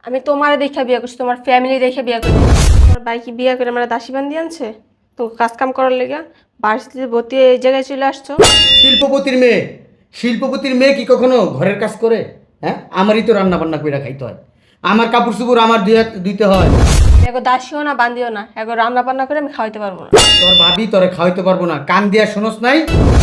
আমি তোমারে দেখে বিয়ে করছি, তোমার ফ্যামিলি দেখে বিয়ে করছি। তোমার ভাই কি বিয়ে করে আমরা দাসী বান্দি আনছে তো কাজ কাম করার লেগে? ভার্সিটিতে ভর্তি হয়ে এই জায়গায় চলে আসছো। শিল্পপতির মেয়ে, শিল্পপতির মেয়ে কি কখনো ঘরের কাজ করে? হ্যাঁ, আমারই তো রান্না বান্না করে খাইতে হয়, আমার কাপড় চোপড় আমার দিতে হয়। এগো দাসীও না বান্দিও না, এগো রান্না বান্না করে আমি খাওয়াইতে পারবো না। তোর ভাবি তোরে খাওয়াইতে পারবো না, কান দিয়া শোনস নাই?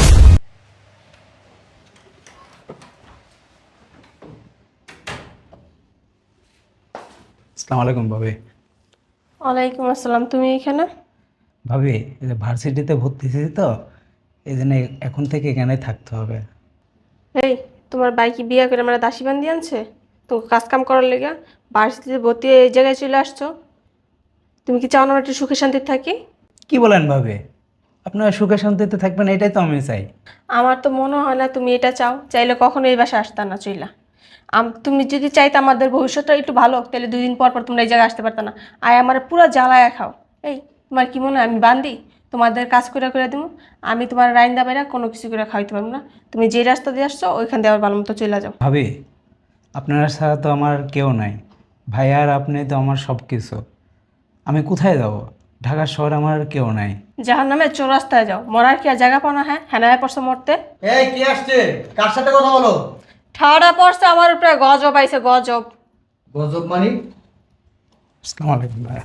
আসসালামু আলাইকুম ভাবি। ওয়ালাইকুম আসসালাম। তুমি এখানে? ভাবি, এই যে ভার্সিটিতে ভর্তি হয়েছি তো, এই জন্য এখন থেকে এখানে থাকতে হবে। এই, তোমার ভাই কি বিয়ে করে আমরা দাসী বান্দি আনছে তো কাজ কাম করার লেগে? ভার্সিটিতে ভর্তি হয়ে এই জায়গায় চলে আসছো। তুমি কি চাও না আমরা একটু সুখে শান্তিতে থাকি? কি বলেন ভাবি? আপনারা সুখে শান্তিতে থাকবেন, এটাই তো আমি চাই। আমার তো মনে হয় না তুমি এটা চাও। চাইলে কখনো এই বাসায় আসতা না চইলা। তুমি যদি চাইতে আমাদের ভবিষ্যৎটা একটু ভালো হোক, তাহলে 2 দিন পর পর তোমরা এই জায়গায় আসতে পারতা না। আমার পুরো জ্বালায়া খাও। এই, তোমার কি মনে হয় আমি বান্দি তোমাদের কাজ করে করে দিব? আমি তোমার রাইন্দা বাইরা কোনো কিছু করে খাওয়াইতে পারবো না। তুমি যে রাস্তা দিয়ে আসছো ওইখান দিয়ে আবার ভালো মতো চলে যাও। ভাবি, আপনারা ছাড়া তো আমার কেউ নাই। ভাই আর আপনি তো আমার সব কিছু। আমি কোথায় যাব? ঢাকা শহরে আমার আর কেউ নাই। জাহার নামে চৌরাস্তায় যাও, মরার কি আর জায়গা পাও না? হ্যাঁ, হ্যাঁ পড়ছো মরতে। এই কে আসছে? কার সাথে কথা বলো? ঠাড়া পড়ছে আমার উপরে, গজব আইছে গজব। গজব মানি? আসসালামু আলাইকুম ভাইয়া।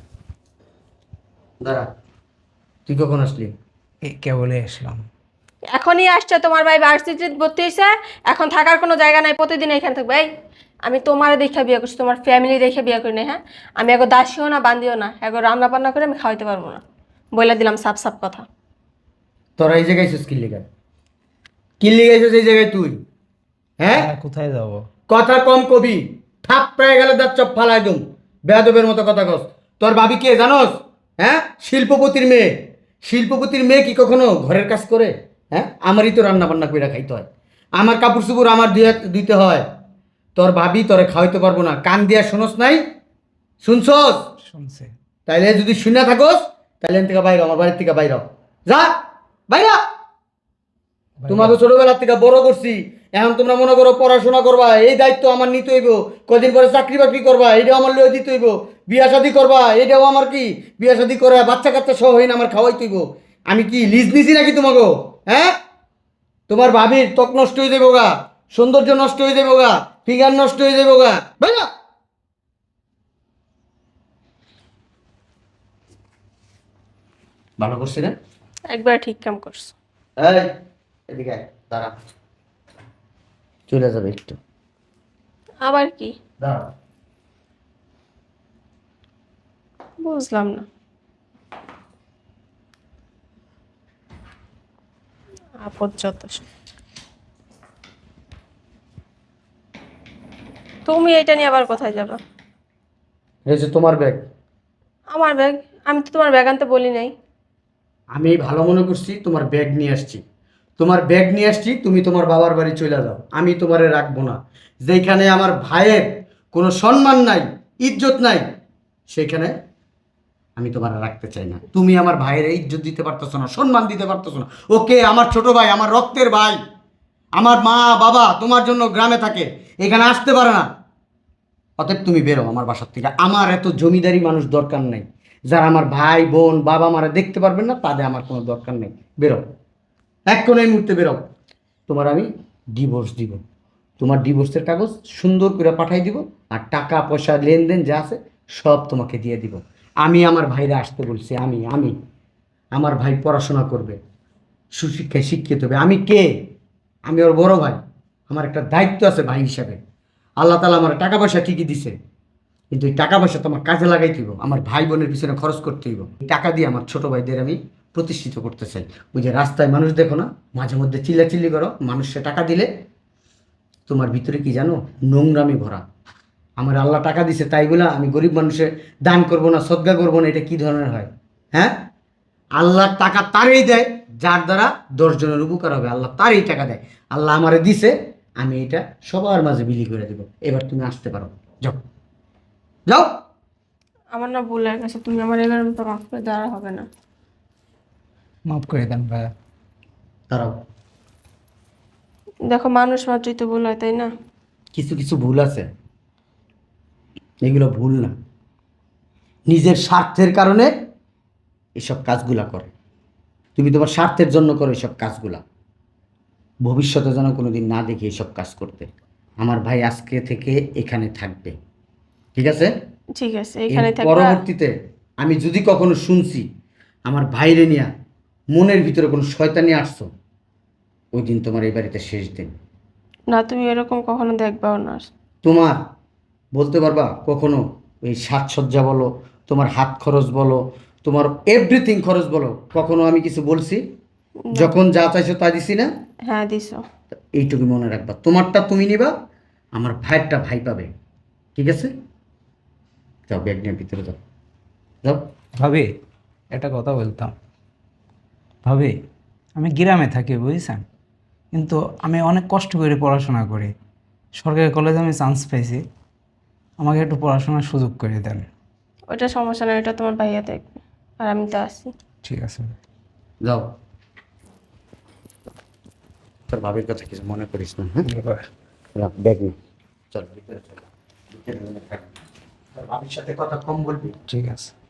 দাঁড়া, তুই কখন আসলি? এই কেবলই আসলাম। এখনই আসছে তোমার ভাই ভার্সিটিতে ভর্তি হয়েছে, এখন থাকার কোনো জায়গা নাই, প্রতিদিন এখানে থাকবে। এই, আমি তোমারে দেখে বিয়ে করছি, তোমার ফ্যামিলি দেখে বিয়ে করি না। হ্যাঁ, আমি এগো দাসীও না বান্দিও না, এগো রান্না বান্না করে আমি খাওয়াইতে পারবো না। বলে দিলাম সাফ সাফ কথা। তোরা এই জায়গায় এসেছিস কিল্লিগা? কিল্লিগা এসেছিস এই জায়গায় তুই? হ্যাঁ, ভাইয়া, কোথায় যাব? কথা কম কবি, থাপ পেয়ে গেলে দাঁত চপ ফালাই দুম। বেয়াদবের মতো কথা কস। তোর ভাবি কে জানোস? হ্যাঁ, শিল্পপতির মেয়ে। শিল্পপতির মেয়ে কি কখনো ঘরের কাজ করে? হ্যাঁ, আমারই তো রান্না বান্না করে খাইতে হয়, আমার কাপড় চোপড় আমার দিতে হয়। তোর ভাবি তোরে খাওয়াইতে পারবো না, কান দিয়া শোনস নাই? শুনছস? শুনছে। তাইলে যদি শুনে থাকোস, তাইলে এখান থেকে বাইর হ, আমার বাড়ির থেকে বাইর হ। যা, বাইরা। ভাইয়া, তোমাকে ছোটবেলা থেকে বড় করছি, এখন তোমরা মনে করো পড়াশোনা করবা, এই দায়িত্ব আমার নিতে হইব। কদিন পরে চাকরি বাকরি করবা, এটাও আমার লয়ে দিতে হইব। বিয়া শাদি করবা, এটাও আমার কি, বিয়া শাদি করে বাচ্চা কাচ্চা সহ হইন আমার খাওয়াইতে হইব। আমি কি লিজ নিছি নাকি তোমাকে? হ্যাঁ, তোমার ভাবির ত্বক নষ্ট হয়ে যাবো গা, সৌন্দর্য নষ্ট হয়ে যাবো গা, ফিগার নষ্ট হয়ে যাবো গা। ভাইয়া, ভালো করছি না? একবার ঠিক কাম করছো। এই, এদিকে আয়, দাঁড়া, চলে যাবে একটু, আবার কি? দাঁড়া। বুঝলাম না। আপদ যত সব। তুমি এটা নিয়ে আবার কোথায় যাবে? এই যে তোমার ব্যাগ। আমার ব্যাগ? আমি তো তোমার ব্যাগ আনতে বলি নাই। আমি ভালো মনে করছি তোমার ব্যাগ নিয়ে আসছি, তোমার ব্যাগ নিয়ে আসছি, তুমি তোমার বাবার বাড়ি চলে যাও, আমি তোমারে রাখবো না। যেখানে আমার ভাইয়ের কোনো সম্মান নাই, ইজ্জত নাই, সেখানে আমি তোমার রাখতে চাই না। তুমি আমার ভাইয়ের ইজ্জত দিতে পারতেছো না, সম্মান দিতে পারতেছো না। ওকে, আমার ছোট ভাই, আমার রক্তের ভাই, আমার মা বাবা তোমার জন্য গ্রামে থাকে, এখানে আসতে পারে না। অতএব তুমি বেরো আমার বাসার থেকে, আমার এত জমিদারি মানুষ দরকার নেই। যারা আমার ভাই বোন বাবা মারা দেখতে পারবেন না, তাদের আমার কোনো দরকার নেই। বেরো, এক্ষণ এই মুহূর্তে বেরো। তোমার আমি ডিভোর্স দিব, তোমার ডিভোর্সের কাগজ সুন্দর করে পাঠাই দিব, আর টাকা পয়সা লেনদেন যা আছে সব তোমাকে দিয়ে দিব। আমি আমার ভাইরা আসতে বলছি, আমি আমার ভাই পড়াশোনা করবে, সুশিক্ষায় শিক্ষিত হবে। আমি কে? আমি ওর বড় ভাই, আমার একটা দায়িত্ব আছে ভাই হিসাবে। আল্লাহ তালা আমার টাকা পয়সা ঠিকই দিছে, কিন্তু এই টাকা পয়সা তো আমার কাজে লাগাইতে হইব, আমার ভাই বোনের পিছনে খরচ করতে হইব। এই টাকা দিয়ে আমার ছোট ভাইদের আমি প্রতিষ্ঠিত করতে চাই। ওই যে রাস্তায় মানুষ দেখো না, মাঝে মধ্যে চিল্লাচিল্লি করো, মানুষে টাকা দিলে তোমার ভিতরে কি জানো, নোংরামি ভরা। আমার আল্লাহ টাকা দিছে তাই বলে আমি গরিব মানুষের দান করব না, সদ্গা করবো না, এটা কি ধরনের হয়? হ্যাঁ, আল্লাহ টাকা তারই দেয় যার দ্বারা 10 জনের উপকার হবে, আল্লাহ তারই টাকা দেয়। আল্লাহ আমারে দিছে, আমি এটা সবার মাঝে বিলি করে দেবো। এবার তুমি আসতে পারো, যাও, যাও। আমার না ভুল হয়ে গেছে, তুমি আমার এগারো মতো মাফ করে দেওয়া হবে না। মাফ করে দেন ভাইয়া। দাঁড়াও, দেখো, মানুষ মাত্রই তো ভুল হয়, তাই না? কিছু কিছু ভুল আছে, এগুলো ভুল না। নিজের স্বার্থের কারণে এসব কাজগুলা করে। তুমি তোমার স্বার্থের জন্য করো এসব কাজগুলা। ভবিষ্যতে যেন কোনোদিন না দেখি এসব কাজ করতে। আমার ভাই আজকে থেকে এখানে থাকবে, ঠিক আছে? ঠিক আছে, এর এখানে থাকবা। পরবর্তীতে আমি যদি কখনো শুনছি আমার ভাইরে নিয়া মনের ভিতরে কোনো শয়তানি আসছো, ওই দিন তোমার এই বাড়িতে শেষ দিন। না, তুমি এরকম কখনো দেখবাও না। তোমার বলতে পারবা কখনো ওই সাজসজ্জা বলো, তোমার হাত খরচ বলো, তোমার এভরিথিং খরচ বলো, কখনো আমি কিছু বলছি? যখন যা চাইছো তা দিছি না? হ্যাঁ, দিছো। এইটুকু মনে রাখবা, তোমারটা তুমি নিবা, আমার ভাইয়েরটা ভাই পাবে, ঠিক আছে? যাও ব্যাগ নিয়ে ভিতরে যাও, যাও। ভাবি, একটা কথা বলতাম। ভাবি, আমি গ্রামে থাকি বুঝছেন, কিন্তু আমি অনেক কষ্ট করে পড়াশোনা করি। সরকারি কলেজে আমি চান্স পেয়েছি, আমাকে একটু পড়াশোনার সুযোগ করে দেন। ওইটা সমস্যা নয়, ওটা তোমার ভাইয়া দেখবে, আর আমি তো আছি। ঠিক আছে। যাও, তোর ভাবির কথা কিছু মনে করিস না, হ্যাঁ? রাখ ব্যাগ নিয়ে চল ভিতরে চল, ভিতরে থাক। তোর ভাবির সাথে কথা কম বলবি। ঠিক আছে।